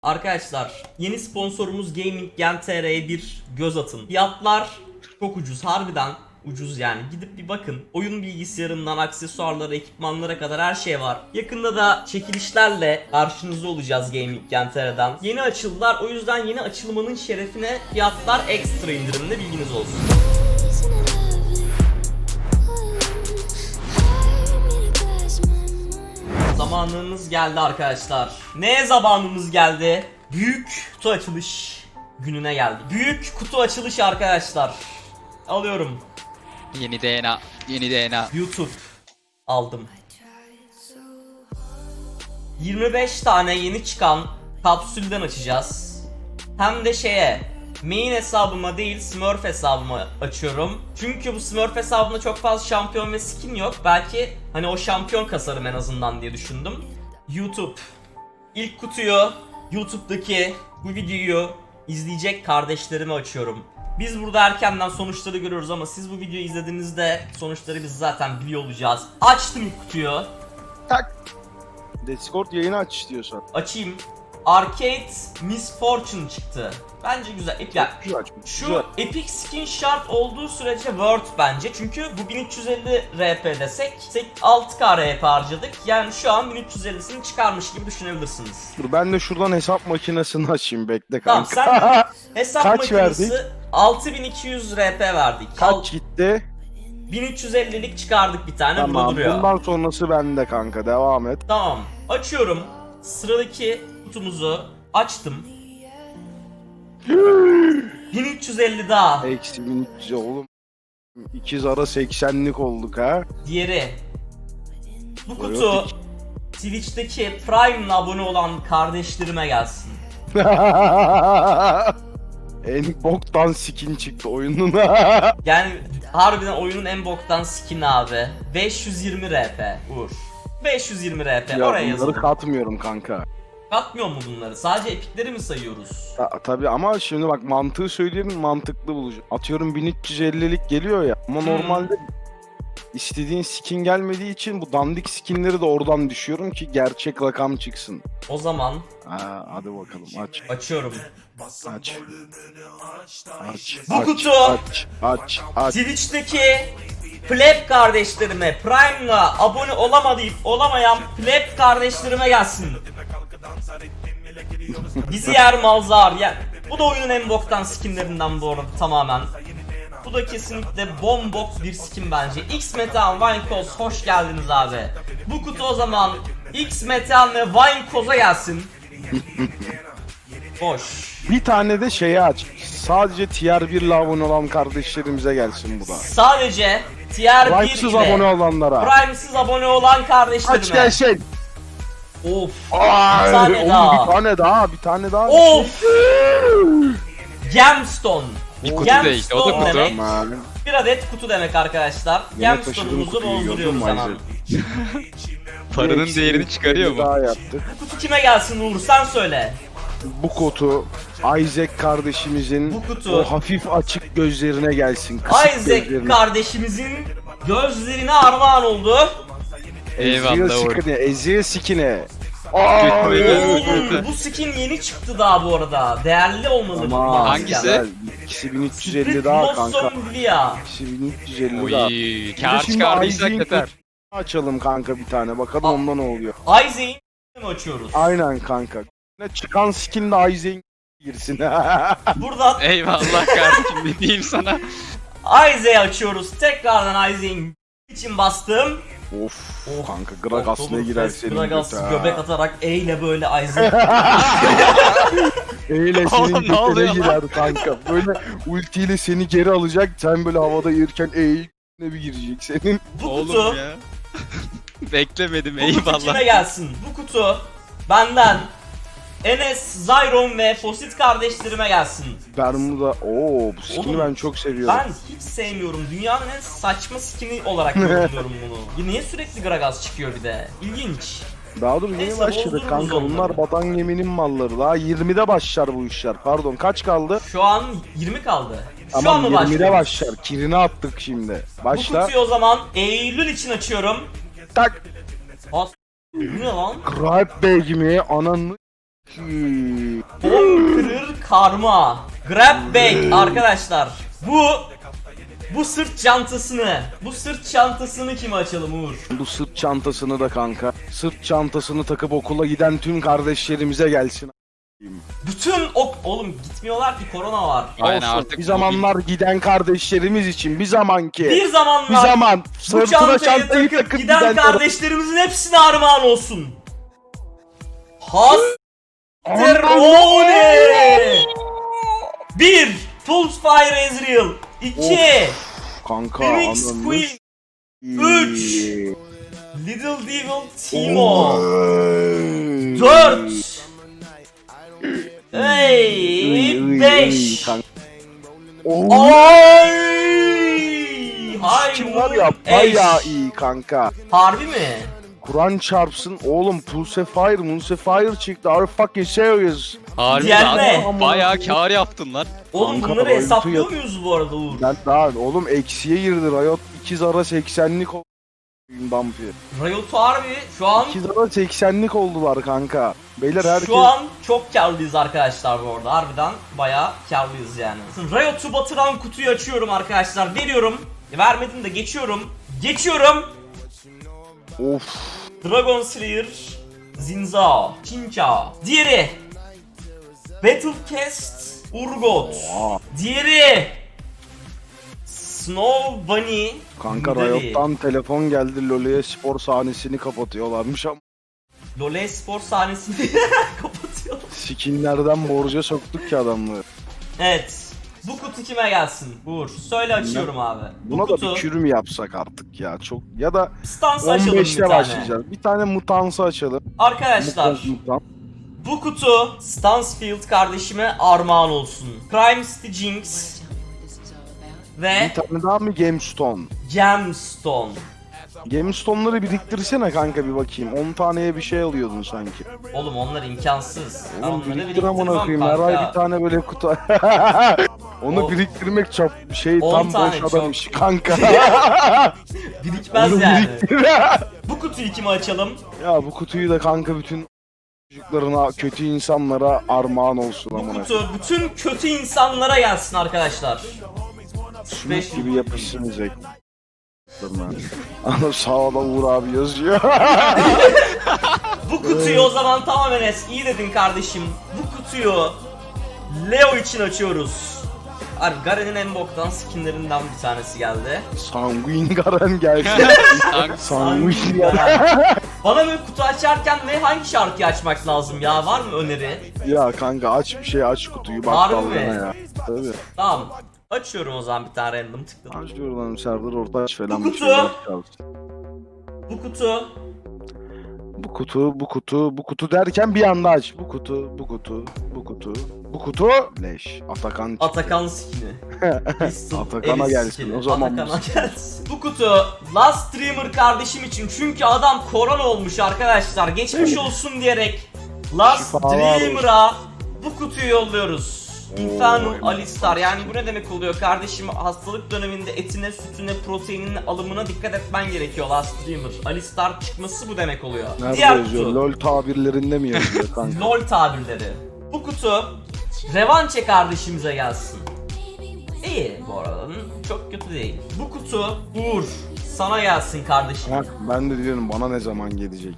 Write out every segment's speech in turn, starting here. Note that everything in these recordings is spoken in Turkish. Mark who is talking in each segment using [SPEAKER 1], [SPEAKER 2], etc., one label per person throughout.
[SPEAKER 1] Arkadaşlar yeni sponsorumuz Gaming Gen TR'ye bir göz atın. Fiyatlar çok ucuz, harbiden ucuz yani. Gidip bir bakın. Oyun bilgisayarından aksesuarlara, ekipmanlara kadar her şey var. Yakında da çekilişlerle karşınızda olacağız Gaming Gen TR'den. Yeni açıldılar, o yüzden yeni açılmanın şerefine fiyatlar ekstra indirimli, bilginiz olsun. Zamanımız geldi arkadaşlar. Ne zamanımız geldi? Büyük kutu açılış gününe geldik. Büyük kutu açılışı arkadaşlar. Alıyorum.
[SPEAKER 2] Yeni DNA, yeni DNA.
[SPEAKER 1] YouTube aldım. 25 tane yeni çıkan kapsülden açacağız. Hem de main hesabıma değil Smurf hesabıma açıyorum. Çünkü bu Smurf hesabımda çok fazla şampiyon ve skin yok. Belki hani o şampiyon kasarım en azından diye düşündüm. YouTube. İlk kutuyu YouTube'daki bu videoyu izleyecek kardeşlerime açıyorum. Biz burada erkenden sonuçları görüyoruz ama siz bu videoyu izlediğinizde sonuçları biz zaten biliyor olacağız. Açtım ilk kutuyu.
[SPEAKER 3] Tak. Discord yayını aç istiyorsan.
[SPEAKER 1] Açayım. Arcade Misfortune çıktı. Bence güzel. Yani
[SPEAKER 3] Güzel açmış.
[SPEAKER 1] şu
[SPEAKER 3] Güzel.
[SPEAKER 1] Epic Skin şart olduğu sürece worth bence. Çünkü bu 1350 RP desek 6K RP harcadık. Yani şu an 1350'sini çıkarmış gibi düşünebilirsiniz.
[SPEAKER 3] Dur ben de şuradan hesap makinesini açayım, bekle
[SPEAKER 1] Tamam,
[SPEAKER 3] kanka.
[SPEAKER 1] sen hesap
[SPEAKER 3] Kaç
[SPEAKER 1] makinesi
[SPEAKER 3] verdik?
[SPEAKER 1] 6200 RP verdik.
[SPEAKER 3] Kaç gitti?
[SPEAKER 1] 1350'lik çıkardık bir tane, burada
[SPEAKER 3] Tamam,
[SPEAKER 1] duruyor.
[SPEAKER 3] bundan sonrası bende kanka, devam et.
[SPEAKER 1] Tamam, açıyorum. Sıradaki kutumuzu açtım. 1350 daha.
[SPEAKER 3] Eksi 1300 oğlum. İkiz ara 80'lik olduk ha.
[SPEAKER 1] Diğeri. Bu kutu
[SPEAKER 3] Buyur.
[SPEAKER 1] Twitch'teki Prime'la abone olan kardeşlerime gelsin.
[SPEAKER 3] En boktan skin çıktı oyunun.
[SPEAKER 1] Yani harbiden oyunun en boktan skin abi. 520 RP Uğur. 520 RP
[SPEAKER 3] Ya
[SPEAKER 1] oraya
[SPEAKER 3] bunları
[SPEAKER 1] yazalım.
[SPEAKER 3] katmıyorum kanka.
[SPEAKER 1] Katmıyor mu bunları? Sadece epikleri mi sayıyoruz?
[SPEAKER 3] Tabii ama şimdi bak, mantığı söyleyeyim, mantıklı bulacağım. Atıyorum 1350'lik geliyor ya ama normalde istediğin skin gelmediği için bu dandik skinleri de oradan düşüyorum ki gerçek rakam çıksın.
[SPEAKER 1] O zaman
[SPEAKER 3] Hadi bakalım, aç.
[SPEAKER 1] açıyorum.
[SPEAKER 3] Aç. Aç.
[SPEAKER 1] Bu
[SPEAKER 3] aç,
[SPEAKER 1] kutu.
[SPEAKER 3] Aç.
[SPEAKER 1] Twitch'teki pleb kardeşlerime, Prime'la abone olamayıp olamayan pleb kardeşlerime gelsin. Bizi yer malzar ya. Bu da oyunun en boktan skinlerinden bu arada tamamen. Bu da kesinlikle bombok bir skin bence. X Metehan Vinecause, hoş geldiniz abi. Bu kutu o zaman X Metehan ve Vinecause'a gelsin. Boş.
[SPEAKER 3] Bir tane de şeyi aç. Sadece tier 1 ile abone olan kardeşlerimize gelsin bu da.
[SPEAKER 1] Sadece tier 1
[SPEAKER 3] Prime'sız abone
[SPEAKER 1] ile
[SPEAKER 3] olanlara.
[SPEAKER 1] Prime'siz abone olan kardeşlerime.
[SPEAKER 3] Aç gelsin.
[SPEAKER 1] Of.
[SPEAKER 3] Ay,
[SPEAKER 1] Bir tane
[SPEAKER 3] oğlum,
[SPEAKER 1] daha.
[SPEAKER 3] bir tane daha.
[SPEAKER 1] Of. Gemstone.
[SPEAKER 2] Bir kutu
[SPEAKER 1] Gemstone
[SPEAKER 2] değil, o da kutu.
[SPEAKER 1] demek.
[SPEAKER 3] Aman.
[SPEAKER 1] Bir adet kutu demek arkadaşlar.
[SPEAKER 3] Yine taşıdığım
[SPEAKER 1] Gemstone'umuzu
[SPEAKER 3] kutuyu gördün
[SPEAKER 1] bozduruyoruz
[SPEAKER 3] mü
[SPEAKER 1] hemen.
[SPEAKER 3] Isaac?
[SPEAKER 2] Paranın
[SPEAKER 3] Eksi
[SPEAKER 2] değerini
[SPEAKER 3] 1350
[SPEAKER 2] çıkarıyor mu?
[SPEAKER 3] Daha yaptık.
[SPEAKER 1] Kutu kime gelsin Uğur, sen söyle.
[SPEAKER 3] Bu kutu Isaac kardeşimizin
[SPEAKER 1] Bu kutu.
[SPEAKER 3] o hafif açık gözlerine gelsin. Kısık
[SPEAKER 1] Isaac
[SPEAKER 3] gözlerine.
[SPEAKER 1] kardeşimizin gözlerine armağan oldu.
[SPEAKER 2] Eyvallah Uğur.
[SPEAKER 3] Ezreal skin'e.
[SPEAKER 1] Oğlum bu skin yeni çıktı daha bu arada. Değerli olmalı bu
[SPEAKER 3] Ama
[SPEAKER 1] maske.
[SPEAKER 2] Hangisi?
[SPEAKER 3] güzel. İkisi 1350
[SPEAKER 1] Split
[SPEAKER 3] daha kanka.
[SPEAKER 1] Blossom Villa.
[SPEAKER 3] İkisi 1350 daha.
[SPEAKER 2] Uy,
[SPEAKER 3] Bir de
[SPEAKER 2] kar
[SPEAKER 3] şimdi
[SPEAKER 2] çıkardıysak
[SPEAKER 3] Isaac'in
[SPEAKER 2] yeter.
[SPEAKER 3] kutusunu açalım kanka bir tane. Bakalım
[SPEAKER 1] Aa.
[SPEAKER 3] onda ne oluyor.
[SPEAKER 1] Isaac'i mi açıyoruz?
[SPEAKER 3] Aynen kanka. Ne çıkan skin de Isaac'in girsin.
[SPEAKER 1] Buradan
[SPEAKER 2] Eyvallah kardeşim, ne diyeyim sana.
[SPEAKER 1] Isaac'i açıyoruz. Tekrardan Isaac'in için bastım.
[SPEAKER 3] Of kanka, Gragas ne girer senin
[SPEAKER 1] Gragas
[SPEAKER 3] göte ha.
[SPEAKER 1] göbek atarak E ile böyle Isaac.
[SPEAKER 3] Eyle senin
[SPEAKER 2] Oğlum, ne
[SPEAKER 3] götüne
[SPEAKER 2] oluyor
[SPEAKER 3] girer kanka. Böyle ultiyle seni geri alacak. Sen böyle havada yürürken E'ye bir girecek senin.
[SPEAKER 1] Bu
[SPEAKER 2] Oğlum
[SPEAKER 1] kutu,
[SPEAKER 2] ya. Beklemedim,
[SPEAKER 1] bu kutu kime
[SPEAKER 2] eyvallah.
[SPEAKER 1] gelsin? Bu kutu benden Enes, Zyron ve Fosit kardeşlerime gelsin.
[SPEAKER 3] Bermuda. Oo, bu skin'i
[SPEAKER 1] Oğlum,
[SPEAKER 3] ben çok seviyorum.
[SPEAKER 1] Ben hiç sevmiyorum. Dünyanın en saçma skin'i olarak yorumluyorum bunu. Niye sürekli Gragas çıkıyor bir de? İlginç.
[SPEAKER 3] Daha dur, yeni
[SPEAKER 1] Neyse,
[SPEAKER 3] başladık
[SPEAKER 1] bozdururuz
[SPEAKER 3] kanka.
[SPEAKER 1] onları.
[SPEAKER 3] Bunlar Batan Gemi'nin malları. Daha 20'de başlar bu işler. Pardon, kaç kaldı?
[SPEAKER 1] Şu an 20 kaldı. Şu an
[SPEAKER 3] Tamam,
[SPEAKER 1] mı
[SPEAKER 3] 20'de
[SPEAKER 1] başlıyoruz?
[SPEAKER 3] başlar. Kirini attık şimdi.
[SPEAKER 1] Bu
[SPEAKER 3] Başla.
[SPEAKER 1] kutuyu o zaman Eylül için açıyorum.
[SPEAKER 3] Tak.
[SPEAKER 1] As bu ne lan?
[SPEAKER 3] Gripe Bey gibi ananı
[SPEAKER 1] Conqueror Karma. Grab bag arkadaşlar. Bu sırt çantasını kime açalım Uğur?
[SPEAKER 3] Bu sırt çantasını da kanka. Sırt çantasını takıp okula giden tüm kardeşlerimize gelsin.
[SPEAKER 1] Bütün oğlum gitmiyorlar ki, korona var.
[SPEAKER 2] Aynen,
[SPEAKER 3] Olsun.
[SPEAKER 2] artık
[SPEAKER 3] Bir zamanlar giden kardeşlerimiz için bir zamanki.
[SPEAKER 1] Bir zamanlar
[SPEAKER 3] Bir zaman
[SPEAKER 1] bu
[SPEAKER 3] sırtına
[SPEAKER 1] çantayı
[SPEAKER 3] çantayı
[SPEAKER 1] takıp
[SPEAKER 3] takıp
[SPEAKER 1] giden kardeşlerimizin hepsine armağan olsun. Hasterone. 1. Pulsefire Ezreal. 2.
[SPEAKER 3] Kanka
[SPEAKER 1] Phoenix
[SPEAKER 3] ananı
[SPEAKER 1] Queen.
[SPEAKER 3] s-
[SPEAKER 1] 3. Little Devil Timo. 4. Hey, 5.
[SPEAKER 3] kanka.
[SPEAKER 1] Ay!
[SPEAKER 3] Kim var ya
[SPEAKER 1] Hayır.
[SPEAKER 3] bayağı iyi kanka.
[SPEAKER 1] Harbi mi?
[SPEAKER 3] Kur'an çarpsın oğlum Pulsefire çıktı. Are you fucking serious?
[SPEAKER 2] Harbi
[SPEAKER 1] Diğerine.
[SPEAKER 2] lan. Bayağı kar yaptın lan.
[SPEAKER 1] Oğlum
[SPEAKER 3] Kanka,
[SPEAKER 1] bunları
[SPEAKER 3] Riot'u
[SPEAKER 1] hesaplıyor
[SPEAKER 3] yap-
[SPEAKER 1] muyuz bu arada Uğur?
[SPEAKER 3] Ben daha oğlum eksiye girdi Riot 2 zara 80'lik oldu. Bumpy.
[SPEAKER 1] Riot harbi şu an
[SPEAKER 3] 2 zara 80'lik oldular kanka. Beyler herkes
[SPEAKER 1] Şu an çok karlıyız arkadaşlar bu arada. Harbiden bayağı karlıyız yani. Riot'u batıran kutuyu açıyorum arkadaşlar. Veriyorum. Vermedim de geçiyorum. Geçiyorum.
[SPEAKER 3] of
[SPEAKER 1] Dragon Slayer, Zinzao, Chinchao. Diğeri Battlecast, Urgot.
[SPEAKER 3] Aa,
[SPEAKER 1] Diğeri Snow Bunny.
[SPEAKER 3] kanka
[SPEAKER 1] Nidalee.
[SPEAKER 3] Riot'tan telefon geldi LoL'e spor sahnesini kapatıyorlarmış ama
[SPEAKER 1] LoL spor sahnesini kapatıyor.
[SPEAKER 3] skinlerden borca soktuk ki adamları.
[SPEAKER 1] Evet. Bu kutu kime gelsin? Uğur. Söyle açıyorum abi. Bu
[SPEAKER 3] Buna da
[SPEAKER 1] kutu
[SPEAKER 3] bir kürüm yapsak artık ya çok ya da
[SPEAKER 1] stans açalım bir
[SPEAKER 3] 15'te
[SPEAKER 1] tane.
[SPEAKER 3] başlayacağız. Bir tane mutansı açalım.
[SPEAKER 1] Arkadaşlar
[SPEAKER 3] Mutant.
[SPEAKER 1] bu kutu Stansfield kardeşime armağan olsun. Prime City Jinx ve
[SPEAKER 3] Bir tane daha mı Gemstone?
[SPEAKER 1] Gemstone.
[SPEAKER 3] Gemstone'ları biriktirsene kanka bir bakayım. 10 taneye bir şey alıyordun sanki.
[SPEAKER 1] Oğlum onlar imkansız. Ben
[SPEAKER 3] Oğlum
[SPEAKER 1] onları
[SPEAKER 3] biriktir amına
[SPEAKER 1] biriktirmem
[SPEAKER 3] koyayım. Her ay bir
[SPEAKER 1] kanka.
[SPEAKER 3] tane böyle kutu. Onu
[SPEAKER 1] O-
[SPEAKER 3] biriktirmek çok şey
[SPEAKER 1] 10
[SPEAKER 3] tam
[SPEAKER 1] tane
[SPEAKER 3] boş adam
[SPEAKER 1] çok.
[SPEAKER 3] işi kanka.
[SPEAKER 1] Birikmez
[SPEAKER 3] Onu
[SPEAKER 1] yani.
[SPEAKER 3] biriktir.
[SPEAKER 1] Bu kutuyu kime açalım?
[SPEAKER 3] Ya bu kutuyu da kanka bütün çocuklarına, kötü insanlara armağan olsun
[SPEAKER 1] Bu
[SPEAKER 3] amına.
[SPEAKER 1] kutu bütün kötü insanlara gelsin arkadaşlar.
[SPEAKER 3] Sümük gibi yapışsınacak. Ana sağda Uğur abi yazıyor.
[SPEAKER 1] Bu kutuyu o zaman tamam Enes, iyi dedin kardeşim. Bu kutuyu Leo için açıyoruz. Abi Garen'in en boktan skinlerinden bir tanesi geldi.
[SPEAKER 3] Sanguin Garen geldi. Sanguin Garen.
[SPEAKER 1] Garen. Bana böyle kutu açarken hangi şarkıyı açmak lazım ya? Var mı öneri?
[SPEAKER 3] Ya kanka aç bir şey aç kutuyu bak
[SPEAKER 1] Harbi
[SPEAKER 3] dalgana
[SPEAKER 1] mi?
[SPEAKER 3] ya. Tabii.
[SPEAKER 1] Tamam. Açıyorum o zaman bir tane random tıkladım.
[SPEAKER 3] Aç diyorum Serdar Ortaç falan
[SPEAKER 1] Bu
[SPEAKER 3] bir
[SPEAKER 1] kutu.
[SPEAKER 3] şeyler çalsın.
[SPEAKER 1] Bu kutu
[SPEAKER 3] Bu kutu derken bir anda aç. Bu kutu. Leş. Atakan çıktı.
[SPEAKER 1] Atakan skini. Pistol
[SPEAKER 3] Atakan'a
[SPEAKER 1] Elis
[SPEAKER 3] gelsin,
[SPEAKER 1] skini.
[SPEAKER 3] o zaman
[SPEAKER 1] Atakan'a
[SPEAKER 3] bu-
[SPEAKER 1] gelsin. Bu kutu Last Streamer kardeşim için, çünkü adam korona olmuş arkadaşlar. Geçmiş olsun diyerek Last
[SPEAKER 3] Şifalar
[SPEAKER 1] Streamer'a bu kutuyu yolluyoruz. Infernal
[SPEAKER 3] Oo,
[SPEAKER 1] Alistar, yani bu ne demek oluyor kardeşim? Hastalık döneminde etine, sütüne, proteininin alımına dikkat etmen gerekiyor Last Streamer. Alistar çıkması bu demek oluyor.
[SPEAKER 3] Nerede
[SPEAKER 1] Diğer
[SPEAKER 3] yazıyor?
[SPEAKER 1] kutu
[SPEAKER 3] LOL tabirlerinde mi yazıyor kanka?
[SPEAKER 1] LOL tabirleri. Bu kutu Revanche kardeşimize gelsin. İyi bu arada, çok kötü değil. Bu kutu Uğur sana gelsin kardeşim.
[SPEAKER 3] Ha, ben de diyorum bana ne zaman gelecek?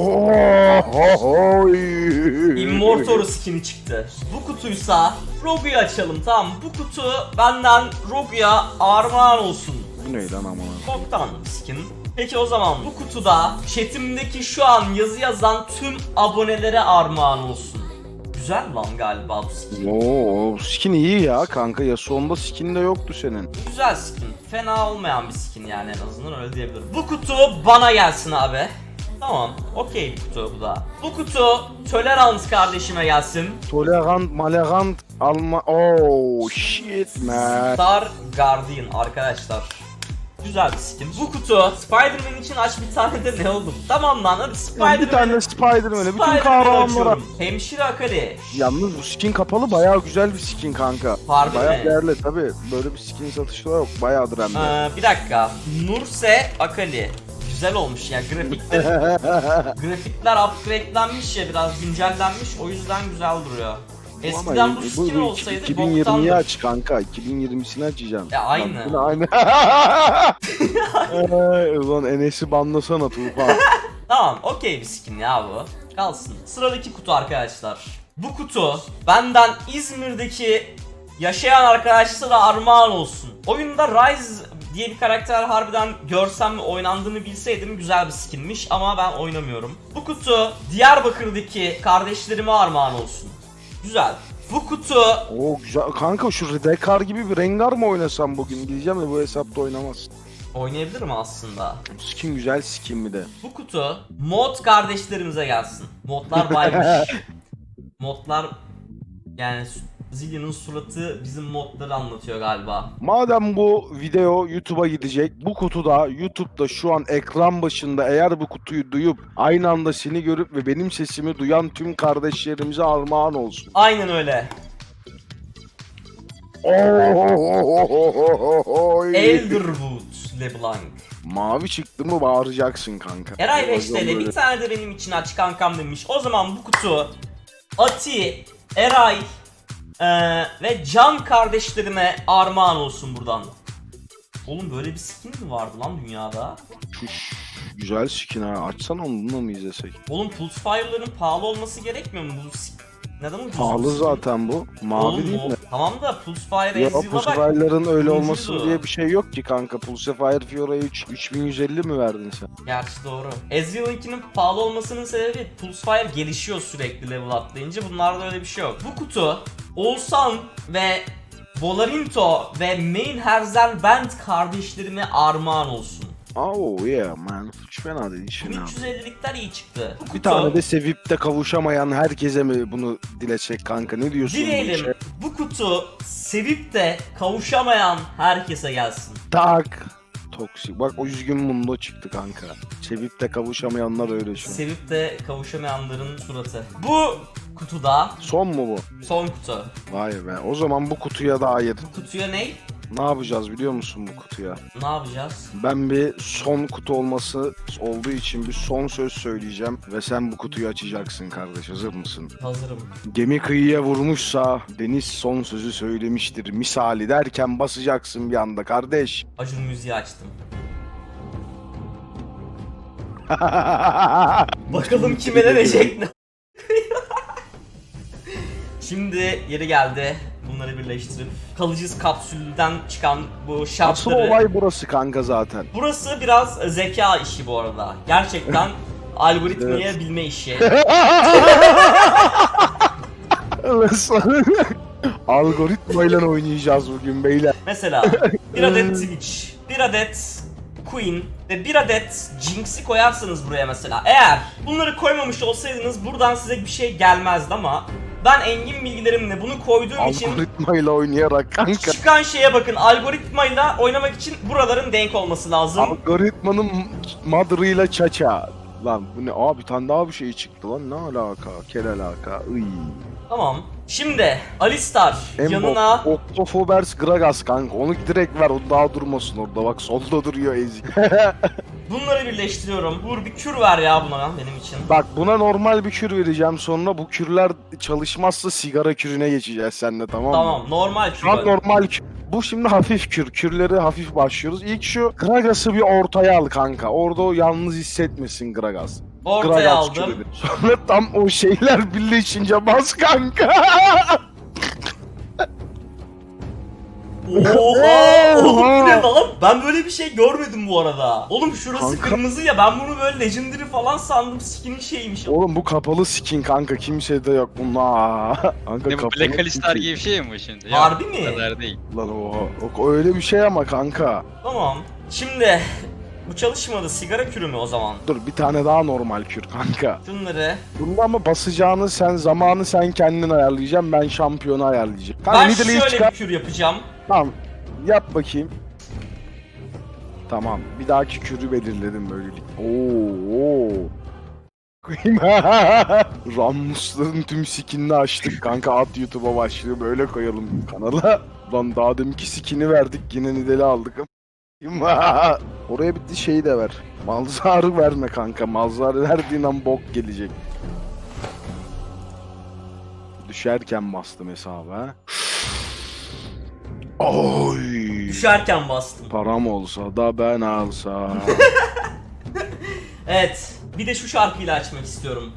[SPEAKER 1] Immortal skin'i çıktı. Bu kutuysa Rogue'yu açalım, tamam mı? Bu kutu benden Rogue'ya armağan olsun.
[SPEAKER 3] Bu ne lan aman?
[SPEAKER 1] Boktan skin. Peki o zaman bu kutuda chatimdeki şu an yazı yazan tüm abonelere armağan olsun. Güzel lan galiba bu skin.
[SPEAKER 3] Oo, skin iyi ya kanka ya sonunda skin de yoktu senin.
[SPEAKER 1] Güzel skin. Fena olmayan bir skin yani, en azından öyle diyebilirim. Bu kutu bana gelsin abi. Tamam. Okey bu kutu bu da. Bu kutu Tolerance kardeşime gelsin.
[SPEAKER 3] Tolerant, malerant, alma... Oh shit man.
[SPEAKER 1] Star Guardian arkadaşlar. Güzel bir skin. Bu kutu Spider-Man için aç bir tane de ne oldum? Tamam lan hadi
[SPEAKER 3] Bir
[SPEAKER 1] Spider-Man.
[SPEAKER 3] tane Spider-Man'e bütün
[SPEAKER 1] Spider-Man'i
[SPEAKER 3] kahramanlara.
[SPEAKER 1] açıyorum. Hemşire Akali.
[SPEAKER 3] Yalnız bu skin kapalı bayağı güzel bir skin kanka.
[SPEAKER 1] Harbi
[SPEAKER 3] bayağı
[SPEAKER 1] mi?
[SPEAKER 3] değerli tabi. Böyle bir skin satışı da yok. Bayağıdır hem de.
[SPEAKER 1] Bir dakika. Nurse Akali. güzel olmuş ya. Grafikler upgrade'lenmiş ya, biraz güncellenmiş. O yüzden güzel duruyor. Eskiden bu skin olsaydı
[SPEAKER 3] 2020'yi
[SPEAKER 1] boktandır.
[SPEAKER 3] aç kanka. 2020'sini açacağım.
[SPEAKER 1] Aynı.
[SPEAKER 3] Aynı. Ulan Enes'i banlasana Tufan.
[SPEAKER 1] Tamam, okey bir skin ya bu. Kalsın. Sıradaki kutu arkadaşlar. Bu kutu benden İzmir'deki yaşayan arkadaşlara armağan olsun. Oyunda Ryze diye bir karakter harbiden görsem ve oynandığını bilseydim güzel bir skinmiş ama ben oynamıyorum. Bu kutu Diyarbakır'daki kardeşlerime armağan olsun. Güzel. Bu kutu
[SPEAKER 3] Oo güzel. Kanka şu Redekar gibi bir Rengar mı oynasam bugün? Diyeceğim de bu hesapta oynamaz.
[SPEAKER 1] oynayabilirim aslında.
[SPEAKER 3] Skin güzel skin mi de.
[SPEAKER 1] Bu kutu mod kardeşlerimize gelsin. Modlar baymış. Modlar yani Zillion'un suratı bizim modları anlatıyor galiba.
[SPEAKER 3] Madem bu video YouTube'a gidecek, bu kutuda YouTube'da şu an ekran başında eğer bu kutuyu duyup aynı anda seni görüp ve benim sesimi duyan tüm kardeşlerimize armağan olsun.
[SPEAKER 1] Aynen öyle.
[SPEAKER 3] Oy.
[SPEAKER 1] Elderwood LeBlanc.
[SPEAKER 3] Mavi çıktı mı bağıracaksın kanka.
[SPEAKER 1] Eray 5
[SPEAKER 3] Bazen
[SPEAKER 1] TL
[SPEAKER 3] böyle.
[SPEAKER 1] bir tane de benim için aç kankam demiş. O zaman bu kutu Ati, Eray ve Can kardeşlerime armağan olsun buradan. Oğlum böyle bir skin mi vardı lan dünyada?
[SPEAKER 3] Şuş, güzel skin ha. Açsana onu, bununla mı izlesek?
[SPEAKER 1] Oğlum Pulse Fire'ların pahalı olması gerekmiyor mu? Bu neden ucuz?
[SPEAKER 3] Pahalı
[SPEAKER 1] bu skin?
[SPEAKER 3] zaten bu. Mavi
[SPEAKER 1] Oğlum,
[SPEAKER 3] değil mi?
[SPEAKER 1] Tamam da Pulse Fire
[SPEAKER 3] Ya
[SPEAKER 1] Ezreal'a bak.
[SPEAKER 3] Pulsefir'ların öyle
[SPEAKER 1] Ucuzdu.
[SPEAKER 3] olmasın diye bir şey yok ki kanka. Pulsefire Fiora'ya 3150 mi verdin sen?
[SPEAKER 1] Gerçi doğru. Ezreal'ınkinin pahalı olmasının sebebi Pulsefire gelişiyor sürekli level atlayınca. Bunlarda öyle bir şey yok. Bu kutu Oğuzhan ve Volarinto ve Main Herzel Band kardeşlerime armağan olsun.
[SPEAKER 3] Oh yeah man. Hiç fena değil. Hiç
[SPEAKER 1] Bu
[SPEAKER 3] fena.
[SPEAKER 1] 350'likler iyi çıktı. Bu kutu,
[SPEAKER 3] Bir tane de sevip de kavuşamayan herkese mi bunu diletecek kanka? Ne diyorsun? bu işe?
[SPEAKER 1] dileyelim bu kutu sevip de kavuşamayan herkese gelsin.
[SPEAKER 3] Tak. Toksik. Bak o üzgün mundo çıktı kanka. Sevip de kavuşamayanlar öyle şu an.
[SPEAKER 1] Sevip de kavuşamayanların suratı. Bu kutuda
[SPEAKER 3] Son mu bu?
[SPEAKER 1] son kutu.
[SPEAKER 3] Vay be. O zaman bu kutuya dair
[SPEAKER 1] Bu kutuya ne?
[SPEAKER 3] ne yapacağız biliyor musun bu kutuya?
[SPEAKER 1] Ne yapacağız?
[SPEAKER 3] Ben bir son kutu olması olduğu için bir son söz söyleyeceğim ve sen bu kutuyu açacaksın kardeş. Hazır mısın?
[SPEAKER 1] Hazırım.
[SPEAKER 3] Gemi kıyıya vurmuşsa deniz son sözü söylemiştir misali derken basacaksın bir anda kardeş.
[SPEAKER 1] Acun müziği açtım. Bakalım kime ne diyecek. Şimdi yeri geldi. Bunları birleştirip kalıcı kapsülden çıkan bu
[SPEAKER 3] Asıl
[SPEAKER 1] şartları.
[SPEAKER 3] olay burası kanka zaten.
[SPEAKER 1] Burası biraz zeka işi bu arada. Gerçekten algoritmayı bilme işi.
[SPEAKER 3] Algoritmayla oynayacağız bugün beyler.
[SPEAKER 1] Mesela bir adet Twitch, bir adet Queen ve bir adet Jinx'i koyarsanız buraya mesela. Eğer bunları koymamış olsaydınız buradan size bir şey gelmezdi ama ben engin bilgilerimle bunu koyduğum için
[SPEAKER 3] Algoritmayla oynayarak kanka.
[SPEAKER 1] çıkan şeye bakın, algoritmayla oynamak için buraların denk olması lazım.
[SPEAKER 3] Algoritmanın madrıyla çaça. Lan bu ne? Aa bir tane daha bir şey çıktı lan. Ne alaka? Kel alaka. Iy.
[SPEAKER 1] Tamam. Şimdi Alistar yanına
[SPEAKER 3] Octofobers Gragas kanka. Onu direkt ver. O daha durmasın orada. Bak solda duruyor ezik.
[SPEAKER 1] bunları birleştiriyorum. Vur bir kür ver ya buna benim için.
[SPEAKER 3] Bak buna normal bir kür vereceğim. Sonra bu kürler çalışmazsa sigara kürüne geçeceğiz seninle, tamam mı?
[SPEAKER 1] Tamam, normal kür.
[SPEAKER 3] Şu an normal kür. Bu şimdi hafif kür. Kürleri hafif başlıyoruz. İlk şu Gragas'ı bir ortaya al kanka. Orada o yalnız hissetmesin Gragas.
[SPEAKER 1] Ortaya
[SPEAKER 3] Gragas
[SPEAKER 1] aldım.
[SPEAKER 3] kürüdür. Sonra tam o şeyler birleşince bas kanka.
[SPEAKER 1] Oha! Oğlum bu ne lan? Ben böyle bir şey görmedim bu arada. Oğlum şurası
[SPEAKER 3] Kanka.
[SPEAKER 1] kırmızı ya, ben bunu böyle legendary falan sandım, skin'in şeymiş.
[SPEAKER 3] Oğlum bu kapalı skin kanka. Kimsede yok bunlar. Kanka
[SPEAKER 2] Ne bu
[SPEAKER 3] kapalı
[SPEAKER 2] Black Alistar
[SPEAKER 3] skin.
[SPEAKER 2] gibi bir şey mi bu şimdi?
[SPEAKER 1] Harbi
[SPEAKER 2] Yok,
[SPEAKER 1] mi?
[SPEAKER 2] O kadar değil.
[SPEAKER 3] Lan o öyle bir şey ama kanka.
[SPEAKER 1] Tamam. Şimdi bu çalışmadı. Sigara kürü mü o zaman?
[SPEAKER 3] Dur bir tane daha normal kür kanka.
[SPEAKER 1] Şunları.
[SPEAKER 3] Bunda ama basacağını zamanı sen kendin ayarlayacaksın. Ben şampiyonu ayarlayacağım. Kanka
[SPEAKER 1] Ben
[SPEAKER 3] middle'ı
[SPEAKER 1] şöyle
[SPEAKER 3] çıkar.
[SPEAKER 1] bir kür yapacağım.
[SPEAKER 3] Tamam. Yap bakayım. Tamam. Bir dahaki kürü belirledim böylelik. Oo. Rammus'ların tüm skinini açtık kanka. At YouTube'a başlıyor. Böyle koyalım kanala. Lan daha deminki skin'i verdik. Yine Nidal'i aldık. Oraya bir şeyi de ver. Malzarı verme kanka. Malzarı verdiğin an bok gelecek. Düşerken bastım hesaba. Oy.
[SPEAKER 1] Düşerken bastım.
[SPEAKER 3] Param olsa da ben alsam.
[SPEAKER 1] Evet. Bir de şu şarkıyla açmak istiyorum.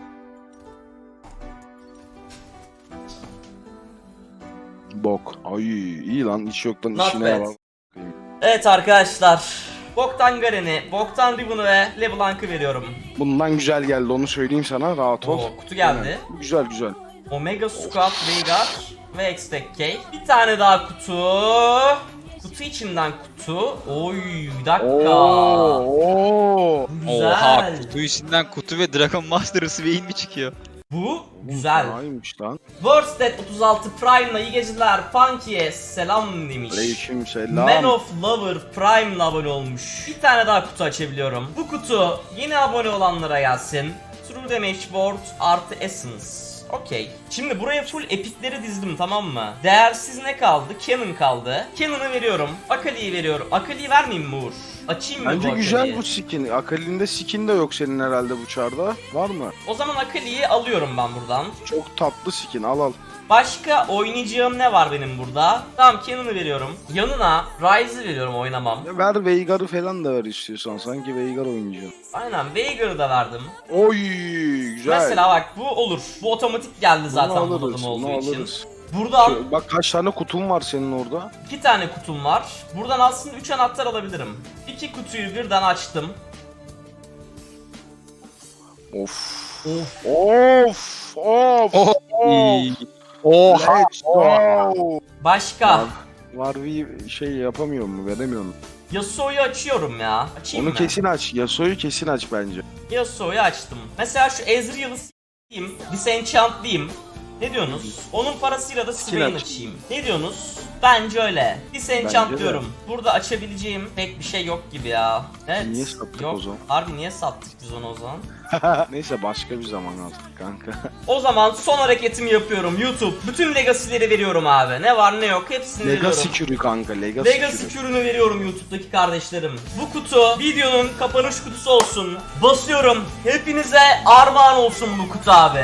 [SPEAKER 3] Bok. Ay iyi lan, hiç yoktan
[SPEAKER 1] Not
[SPEAKER 3] işine
[SPEAKER 1] bad.
[SPEAKER 3] bak.
[SPEAKER 1] Evet arkadaşlar. Boktan Garen'i, Boktan Ribbon'u ve LeBlanc'ı veriyorum.
[SPEAKER 3] Bundan güzel geldi, onu söyleyeyim sana, rahat ol.
[SPEAKER 1] Oo, kutu geldi.
[SPEAKER 3] Aynen. Güzel güzel.
[SPEAKER 1] Omega Squad Veigar ve X-Tech K. Bir tane daha kutu. Kutu içinden kutu. Oy bir dakika.
[SPEAKER 3] Oo.
[SPEAKER 1] Güzel.
[SPEAKER 2] Oha, kutu içinden kutu ve Dragon Master Swain mi çıkıyor?
[SPEAKER 1] Bu güzel.
[SPEAKER 3] Aymış lan.
[SPEAKER 1] Worsted 36 Prime'la iyi geceler. Funky'e selam demiş.
[SPEAKER 3] Aleyküm selam.
[SPEAKER 1] Man of Lover Prime'la abone olmuş. Bir tane daha kutu açabiliyorum. Bu kutu yeni abone olanlara gelsin. True Damage Board artı Essence. Okey. Şimdi buraya full epikleri dizdim, tamam mı? Değersiz ne kaldı? Cannon kaldı. Cannon'ı veriyorum. Akali'yi veriyorum. Akali'yi vermeyeyim mi Uğur? Açayım mı
[SPEAKER 3] Bence
[SPEAKER 1] bu
[SPEAKER 3] güzel
[SPEAKER 1] Akali'yi?
[SPEAKER 3] bu skin. Akali'nde skin de yok senin herhalde bu çarda. Var mı?
[SPEAKER 1] O zaman Akali'yi alıyorum ben buradan.
[SPEAKER 3] Çok tatlı skin, al.
[SPEAKER 1] Başka oynayacağım ne var benim burada? Tamam, Cannon'ı veriyorum. Yanına Ryze'ı veriyorum, oynamam.
[SPEAKER 3] Ya ver Veigar'ı falan da ver istiyorsan. Sanki Veigar oynayacaksın.
[SPEAKER 1] Aynen, Veigar'ı da verdim.
[SPEAKER 3] Oy güzel.
[SPEAKER 1] Mesela bak, bu olur. Bu otomatik geldi zaten
[SPEAKER 3] Bunu
[SPEAKER 1] bunadım
[SPEAKER 3] alırız,
[SPEAKER 1] olduğu
[SPEAKER 3] bunu
[SPEAKER 1] için.
[SPEAKER 3] alırız.
[SPEAKER 1] Buradan
[SPEAKER 3] Bak kaç tane kutum var senin orada.
[SPEAKER 1] 2 tane kutum var. Buradan aslında 3 anahtar alabilirim. 2 kutuyu birden açtım.
[SPEAKER 3] Of.
[SPEAKER 1] Of.
[SPEAKER 3] Of. Of.
[SPEAKER 2] Oh.
[SPEAKER 3] Of.
[SPEAKER 2] Oha.
[SPEAKER 3] Let's go.
[SPEAKER 1] Başka.
[SPEAKER 3] Var bir şey yapamıyor mu? Veremiyor mu?
[SPEAKER 1] Yasuo'yu açıyorum ya. Açayım
[SPEAKER 3] Onu
[SPEAKER 1] mı?
[SPEAKER 3] kesin aç. Yasuo'yu kesin aç bence.
[SPEAKER 1] Yasuo'yu açtım. Mesela şu Ezreal'ı s**eyim, disenchant'layım. Ne diyorsunuz? Onun parasıyla da Swain
[SPEAKER 3] aç.
[SPEAKER 1] açayım. Ne diyorsunuz? Bence öyle. Disenchant
[SPEAKER 3] Bence de.
[SPEAKER 1] diyorum. Burada açabileceğim pek bir şey yok gibi ya. Evet.
[SPEAKER 3] Niye sattık
[SPEAKER 1] yok.
[SPEAKER 3] o zaman?
[SPEAKER 1] Harbi niye sattık biz onu o zaman?
[SPEAKER 3] Neyse başka bir zaman artık kanka.
[SPEAKER 1] O zaman son hareketimi yapıyorum YouTube. Bütün Legacy'leri veriyorum abi. Ne var ne yok hepsini
[SPEAKER 3] Legacy
[SPEAKER 1] veriyorum.
[SPEAKER 3] kürü kanka. Legacy
[SPEAKER 1] Legacy
[SPEAKER 3] kürü.
[SPEAKER 1] kürünü veriyorum YouTube'daki kardeşlerim. Bu kutu videonun kapanış kutusu olsun. Basıyorum. Hepinize armağan olsun bu kutu abi.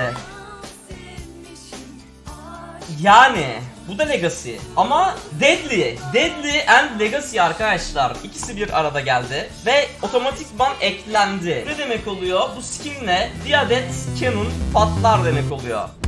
[SPEAKER 1] Yani bu da Legacy ama Deadly. Deadly and Legacy arkadaşlar. İkisi bir arada geldi ve otomatikman eklendi. Ne demek oluyor? Bu skinle bir adet cannon patlar demek oluyor.